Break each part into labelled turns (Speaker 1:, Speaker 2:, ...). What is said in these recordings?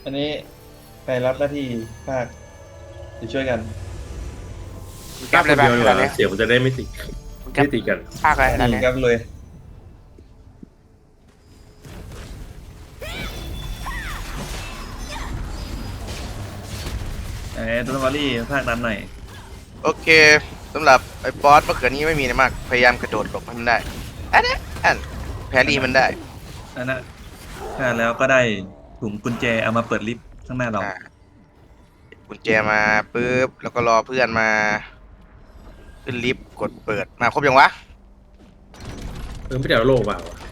Speaker 1: อันนี้ใครรับหน้าที่ภาคจะช่วยกัน
Speaker 2: กล้าคนเดียวดีกว่าเสียงมันจะได้ไม่ติดไม่ติดกัน
Speaker 3: ภาคอะไรนะ
Speaker 1: นี่
Speaker 3: เนี่ย
Speaker 1: ครับเลยตัววอลลี่ภาคนั้นหน่อย
Speaker 4: โอเคสำหรับไอ้บอสมะเขือนี้ไม่มีอะไรมากพยายามกระโดดหลบให้มันได้อันนี้แพรรี่มันได้
Speaker 1: อันนั้นฆ่าแล้วก็ได้ถุงกุญแจเอามาเปิดลิฟต์ข้างหน้าเรา
Speaker 4: อ่ากุญแจมาปุ๊บแล้วก็รอเพื่อนมาขึ้นลิฟต์กดเปิดมาครบยังวะ
Speaker 2: ไม่ได้เอาโล่มาวะ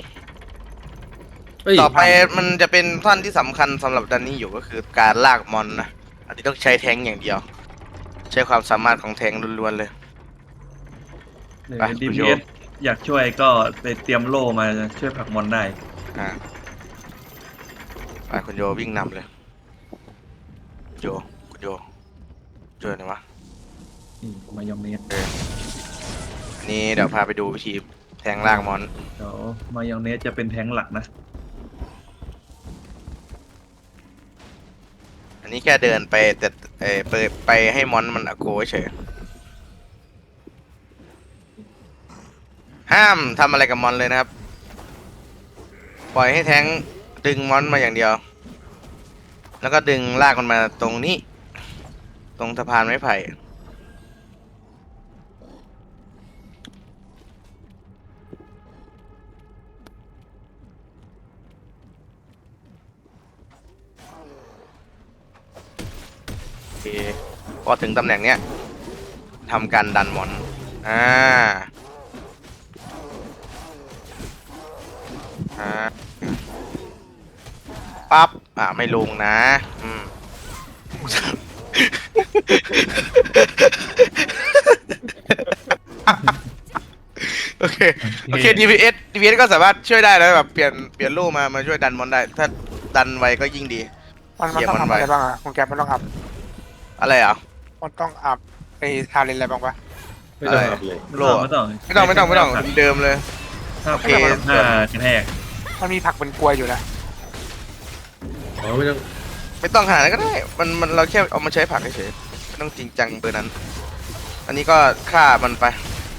Speaker 2: เฮ้ย
Speaker 4: ต่อไปมันจะเป็นท่อนที่สำคัญสำหรับดันนี้อยู่ก็คือการลากมอนนะอันนี้ต้องใช้แทงค์อย่างเดียว ใช้ความสามารถของแทงค์ล้วนๆเลยไป
Speaker 1: ดี
Speaker 4: คุณ
Speaker 1: พี
Speaker 4: โย
Speaker 1: เอสอยากช่วยก็ไปเตรียมโล่มาช่วยผลักมอนได้
Speaker 4: อ่าไปคุณโยวิ่งนำเลยโยคุณโยเจอไหนวะ
Speaker 1: มายองเนส
Speaker 4: อันนี้เดี๋ยวพาไปดูวิธีแทงลากมอน
Speaker 1: เดี๋ยวมายองเนสจะเป็นแท้งหลักนะ
Speaker 4: อันนี้แค่เดินไปแต่ไปให้มอนมันอโกเฉยห้ามทำอะไรกับมอนเลยนะครับปล่อยให้แทงดึงมอนมาอย่างเดียวแล้วก็ดึงลากมันมาตรงนี้ตรงสะพานไม้ไผ่โอเคพอถึงตำแหน่งเนี้ยทำการดันมอนอ่าอ่าปั๊บไม่ลงนะโอเคโอเค DPS ก็สามารถช่วยได้แล้วแบบเปลี่ยนลูกมาช่วยดันมอนได้ถ้าดันไวก็ยิ่งดี
Speaker 3: มันต้องทำอะไรบ้างอ่ะคุณแกมันต้องอัพ
Speaker 4: อะไรอ่ะ
Speaker 3: มันต้องอัพไอ้ทาเลนอะไรบ้างปะ
Speaker 2: ไม่ต้องอัพเลย
Speaker 4: โล
Speaker 1: ไม่ต้อง
Speaker 4: เดิมเลย
Speaker 1: ถ้า
Speaker 4: โอเค
Speaker 1: ถ้ากระแทก
Speaker 3: มันมีผักเป็นกลวยอยู่นะ
Speaker 2: อ๋อไม่ต้อง
Speaker 4: ไม่ต้องหาอะไรก็ได้มันเราแค่เอามาใช้ผักเฉยๆไม่ต้องจริงจังเบอร์นั้นอันนี้ก็ฆ่ามันไป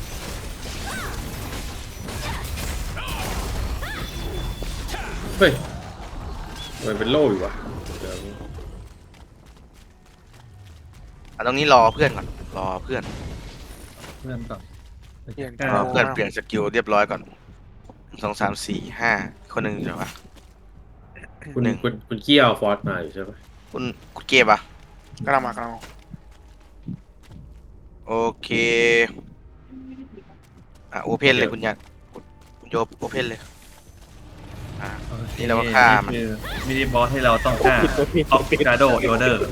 Speaker 2: เฮ้ยมันเป็นโล่อยู่วะเดี๋ยว
Speaker 4: ตรงนี้รอเพื่อนก่อนรอเพื่อน
Speaker 1: เพื่อนก่อน
Speaker 4: รอเพื่อนเปลี่ยนสกิลเรียบร้อยก่อน2 3 4 5คนหนึ่งเดี๋ยววะ
Speaker 2: คุณเกี้ยวฟอร์สมาอยู่ใช่ปะ
Speaker 4: คุณเก็บอ่ะ
Speaker 3: กำลังมา
Speaker 4: โอเคโอเพนเลยคุณยันคุณโยโอเพนเลยนี่เราก็ฆ่ามัน
Speaker 1: มินิบอสให้เราต้องฆ่าออฟกาโดโยเดอร์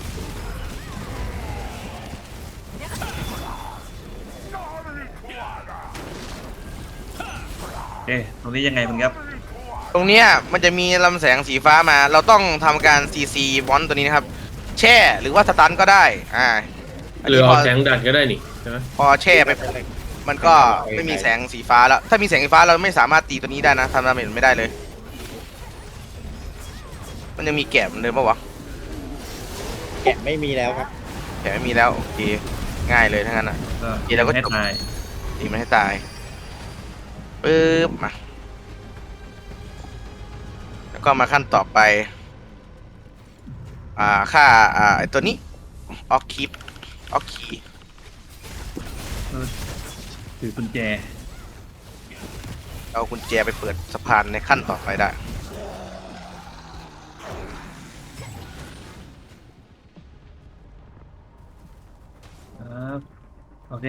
Speaker 1: ตรงนี้ยังไงคุณครับ
Speaker 4: ตรงเนี้ยมันจะมีลำแสงสีฟ้ามาเราต้องทำการ CC บอลตัวนี้นะครับแช่หรือว่าสตันก็ได้
Speaker 2: หรือเอาแทงดันก็ได้นี่ใช่ไหม
Speaker 4: พอแช่ไปมันก็ไม่มีแสงสีฟ้าแล้วถ้ามีแสงสีฟ้าเราไม่สามารถตีตัวนี้ได้นะทำดาเมจไม่ได้เลยมันยังมีแกะเหมือนเดิมปะวะ
Speaker 5: แกะไม่มีแล้วครับ
Speaker 4: แกะไม่มีแล้วโอเคง่ายเลยทั้งนั้นทีเราก็
Speaker 1: ให้ตาย
Speaker 4: ตีมันให้ตายปึ๊บมาแล้วก็มาขั้นต่อไปค่าไอตัวนี้ออกคี
Speaker 1: ถือกุญแจ
Speaker 4: เอากุญแจไปเปิดสะพานในขั้นต่อไปได้
Speaker 1: โอเค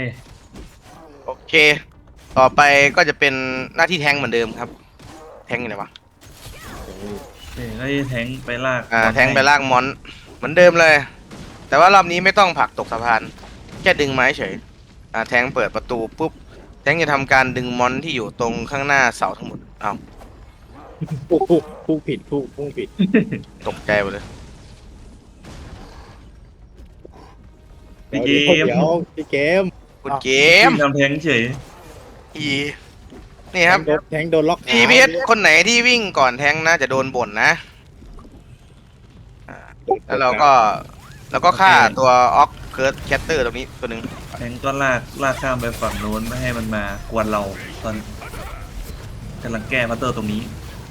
Speaker 4: ต่อไปก็จะเป็นหน้าที่แทงเหมือนเดิมครับแทงอยู่ไหนวะ
Speaker 1: แล้วแทงไปลาก
Speaker 4: แทงไปลากมอนเหมือนเดิมเลยแต่ว่ารอบนี้ไม่ต้องผลักตกสะพานแค่ดึงไม้เฉยแทงเปิดประตูปุ๊บแทงจะทำการดึงมอนที่อยู่ตรงข้างหน้าเสาทั้งหมด
Speaker 5: ผู้ผิดผู้ผิด
Speaker 4: ตกใจหมดเลย
Speaker 1: พี่เกม
Speaker 5: พี่เกม
Speaker 4: คุณเกม
Speaker 1: ทำแทงเฉย
Speaker 4: นี่ครับ
Speaker 5: แทงโดนล็อก
Speaker 4: DPSคนไหนที่วิ่งก่อนแทงนะจะโดนบ่นนะแล้วเราก็ฆ่าตัวออกเคิร์ดแคตเตอร์ตรงนี้ตัวหนึ่ง
Speaker 1: แทงก็ลากข้ามไปฝั่งโน้นไม่ให้มันมากวนเราตอนกำลังแก้พัตเตอร์ตรงนี้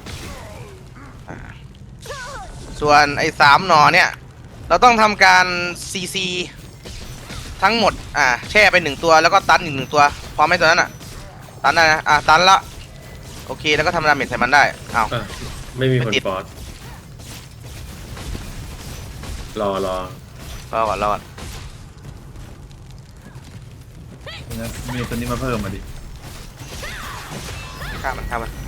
Speaker 4: ส่วนไอ้3 หนอเนี่ย เราต้องทำการCC ทั้งหมดแช่ไป1 ตัวแล้วก็ตันอีก1 ตัวพอไหมตัวนั้นตันได้นะตันละโอเคแล้วก็ทำดาเมจใส่มันได้อ้าว
Speaker 2: อ่ะไม่มีคน
Speaker 4: ไม่ติด
Speaker 2: ฟอร์สรอ
Speaker 4: รอก่อน
Speaker 1: นะมีตัวนี้มาเพิ่มมาดิ
Speaker 4: ฆ่ามัน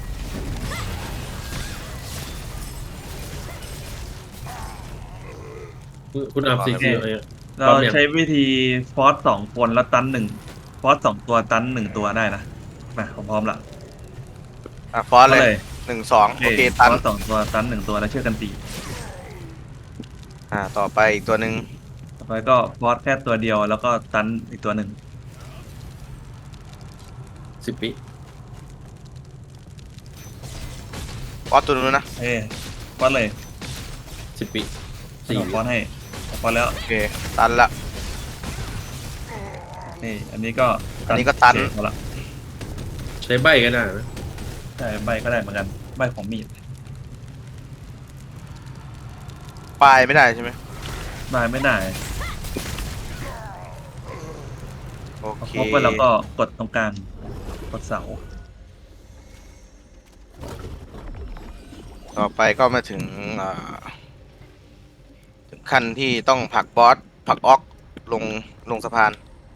Speaker 2: คุณอัพซี
Speaker 1: โอเค
Speaker 2: ซีอะไร
Speaker 1: เราใช้วิธีฟอส2 คนแล้วตัน1ฟอส2 ตัวตัน1 ตัวได้นะมาผมพร้อมละ
Speaker 4: ฟอสเลย
Speaker 1: เลย
Speaker 4: 1 2โอเคตัน
Speaker 1: ฟอส2 ตัวตัน1 ตัวแล้วเชื่อกันตี
Speaker 4: ต่อไปอีกตัวหนึ่ง
Speaker 1: ต่อไปก็ฟอสแค่ตัวเดียวแล้วก็ตันอีกตัวหนึ่ง
Speaker 2: 10 วิ
Speaker 4: ฟอสตัวนู้นนะ
Speaker 1: ฟอสเลย
Speaker 2: 10 วิ
Speaker 1: ฟอสให้ฟอสแล้ว
Speaker 4: โอเคตันละ
Speaker 1: อันนี้ก็
Speaker 4: อันนี้ก็ตัน
Speaker 1: เสร็จหมดละ
Speaker 2: ใช้ใบก็ได้นะ
Speaker 1: ใช่ใบก็ได้เหมือนกันใบของมีด
Speaker 4: ปลายไม่ได้ใช่ไหม
Speaker 1: ใบไม่ได้
Speaker 4: โอเค
Speaker 1: พอไปแล้วก็กดตรงกลางกดเสา
Speaker 4: ต่อไปก็มาถึงขั้นที่ต้องผลักบอสผลักออกลงสะพาน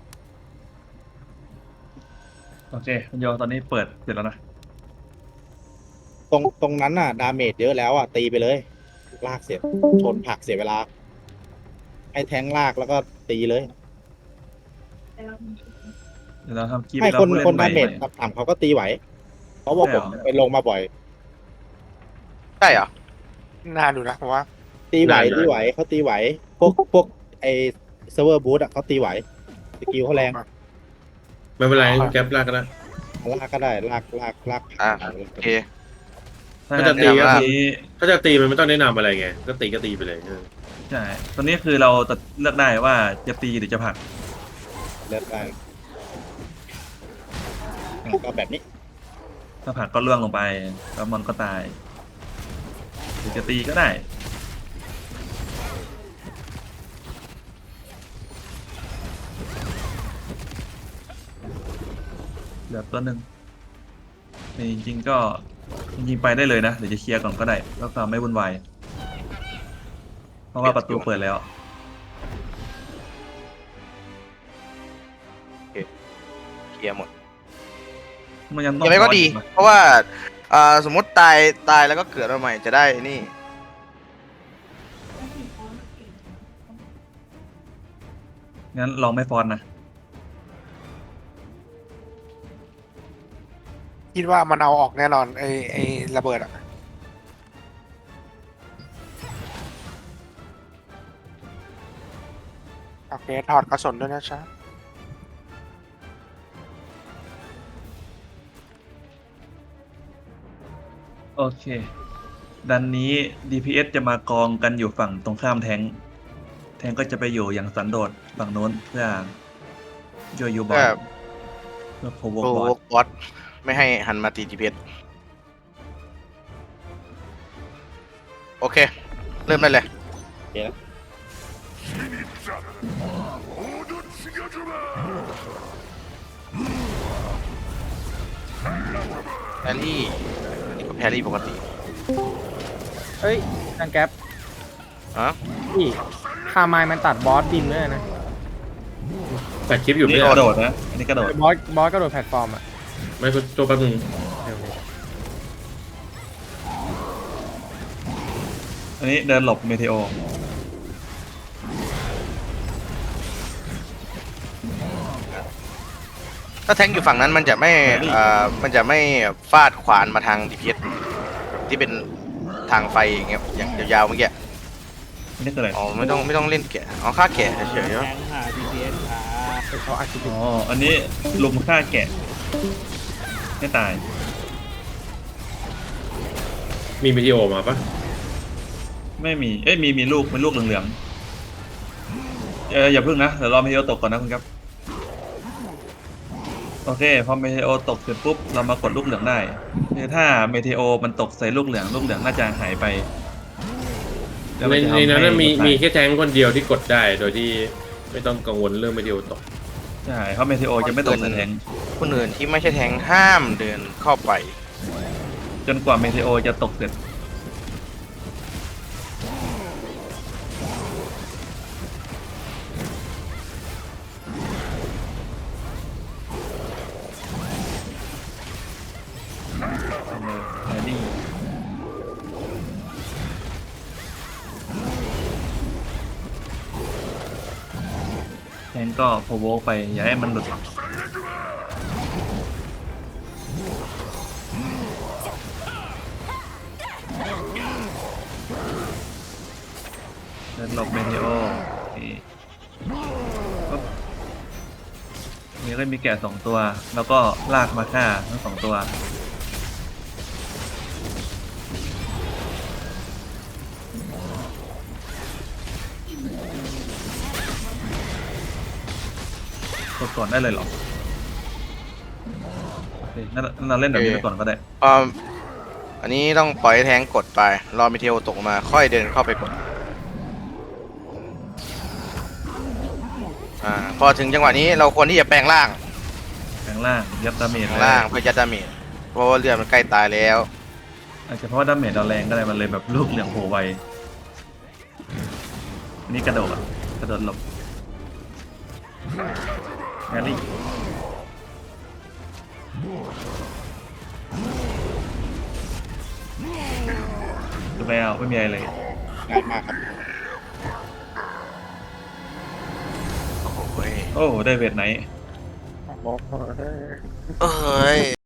Speaker 1: โอเคคุณโยตอนนี้เปิดเสร็จแล้วนะ
Speaker 5: ตรงนั้นน่ะ ดาเมจเยอะแล้วอ่ะ ตีไปเลย ลากเสร็จ ชนผลักเสียเวลา ให้แทงลากแล้วก็ตีเลย
Speaker 1: เดี๋ยวเราทำคลิป
Speaker 5: ให้
Speaker 1: แล้ว
Speaker 5: คน
Speaker 1: ผู้เล่
Speaker 5: คน
Speaker 1: นใหม่
Speaker 5: ดาเมจต่ำๆเขาก็ตีไหว เพราะว่าผมไปลงมาบ่อย
Speaker 4: ใช่เหรอ
Speaker 3: น่าดูนะผมว่า
Speaker 5: ตีไหวเขาตีไหว พวกไอเซิร์ฟเวอร์บูธอ่ะเขาตีไหว สกิลเขาแรง
Speaker 2: ไม่เป็นไรคุณแก๊ปลากก็ได้
Speaker 5: ลากก็ได้ลาก
Speaker 4: โอเค
Speaker 1: ถ้า
Speaker 2: ก็จะตี
Speaker 1: ตี
Speaker 2: ก็
Speaker 1: ก็
Speaker 2: ตี ถ้าจะตีมันไม่ต้องแนะนำอะไรไง ก็ตีไปเลย
Speaker 1: ใช่ตอนนี้คือเราจะเลือกได้ว่าจะตีหรือจะผลัก
Speaker 5: เลือกได้ก็แบบนี้
Speaker 1: ถ้าผลักก็ล่วงลงไปแล้วมันก็ตายหรือจะตีก็ได้เหลือตัวหนึ่งจริงๆก็จริงๆไปได้เลยนะเดี๋ยวจะเคลียร์ก่อนก็ได้ก็ความไม่วุ่นวายเพราะว่าประตูเปิดแล้ว
Speaker 4: เคลียร์หมด
Speaker 1: มันยังต้
Speaker 4: อ
Speaker 1: อง
Speaker 4: ย่างไรก็ดี
Speaker 1: รอ
Speaker 4: เพราะว่าสมมติตายแล้วก็เกิดมาใหม่จะได้นี่
Speaker 1: งั้นลองไม่ฟอนนะ
Speaker 3: คิดว่ามันเอาออกแน่นอนไอ้ระเบิดอะโอเคถอดกระสุนด้วยนะจ๊ะ
Speaker 1: โอเคดันนี้ DPS จะมากองกันอยู่ฝั่งตรงข้ามแทงก็จะไปอยู่อย่างสันโดษฝั่งโน้นเพื่อช่วยยูบอลเพื่อโพว
Speaker 4: โปร
Speaker 1: บอล
Speaker 4: บอสไม่ให้หันมาตีจีเพโอเค เริ่มได้เลย แพรรี่นี่ก็แพรรี่ปกติ
Speaker 6: เอ้ยทางแก๊ป
Speaker 4: ฮะ
Speaker 6: พี่คาไมล์มันตัดบอสดินด้วยนะ
Speaker 2: แต่คลิปอยู่
Speaker 1: นี่
Speaker 2: ไม่
Speaker 1: กระ
Speaker 2: ได้
Speaker 1: โดดนะอันนี้กระโดด
Speaker 6: บอสกระโดดแพลตฟอร์มอ่ะ
Speaker 2: ไม่คุณตัวแป๊บนึง
Speaker 6: เร็วเลย
Speaker 1: อันนี้เดินหลบเมเทโอ
Speaker 4: ถ้าแทงค์อยู่ฝั่งนั้นมันจะไม่ฟาดขวานมาทางดีพีที่เป็นทางไฟอย่างเงี้ยอย่างยาวๆเมื่อกี้
Speaker 1: อันนี้คืออะไร
Speaker 4: อ๋อไม่ต้องเล่นแกะเอาค่าแกะเฉยๆเนาะ
Speaker 6: เขาอาจจะ
Speaker 1: อ๋ออันนี้ลุมฆ่าแกะไม่ตาย
Speaker 2: มีวิดีโอมาปะ
Speaker 1: ไม่มี เอ้ยมีลูกเป็นลูกเหลืองๆอย่าพึ่งนะเดี๋ยวรอเมเทโอตกก่อนนะคุณครับโอเคพอเมเทโอตกเสร็จปุ๊บเรามากดลูกเหลืองได้คือถ้าเมเทโอมันตกใส่ลูกเหลืองน่าจะหายไปแล้ว
Speaker 2: ใน
Speaker 1: มันจะทำ
Speaker 2: ในนั้น
Speaker 1: ให้
Speaker 2: มี
Speaker 1: ตาย
Speaker 2: แค่แทงค์คนเดียวที่กดได้ โดยที่ไม่ต้องกังวลเรื่องไม่เดียวตก
Speaker 1: ใช่เพราะเมเทโอจะไม่ตกใส่แทงค์
Speaker 4: คนอื่นที่ไม่ใช่แทงห้ามเดินเข้าไป
Speaker 1: จนกว่าเมเทโอจะตกเสร็จแฮร์รี่แทงก็โพโวไปอย่าให้มันหลุดเดินหลบเมเทโอโอเคปุ๊บนี่ก็มีแกะ2 ตัว แล้วก็ลากมาฆ่าทั้ง2 ตัวกดก่อนได้เลยเหรอโอเคงั้นเราเล่นแบบนี้ไปก่อนก็ได้
Speaker 4: อันนี้ต้องปล่อยให้แทงกดไป รอมิเทลตกมา ค่อยเดินเข้าไปกด พอถึงจังหวะนี้เราควรที่จะแปลงร่าง
Speaker 1: แปลงร่างยัดดาเมจ
Speaker 4: แปลงร่างเพื่อยัดดาเมจเพราะว่าเลือดมันใกล้ตายแล้ว
Speaker 1: อาจจะเพราะว่าดาเมจเราแรงก็ได้มันเลยแบบลูกเหลืองโผล่ไวอันนี้กระโดดหลบแฮร์รี่ดูไปเอาไม่มีอะไรเลย
Speaker 5: ง่ายมากครับ
Speaker 4: โอ้โห
Speaker 1: โอ้ได้เวทไหน
Speaker 4: เอ้ย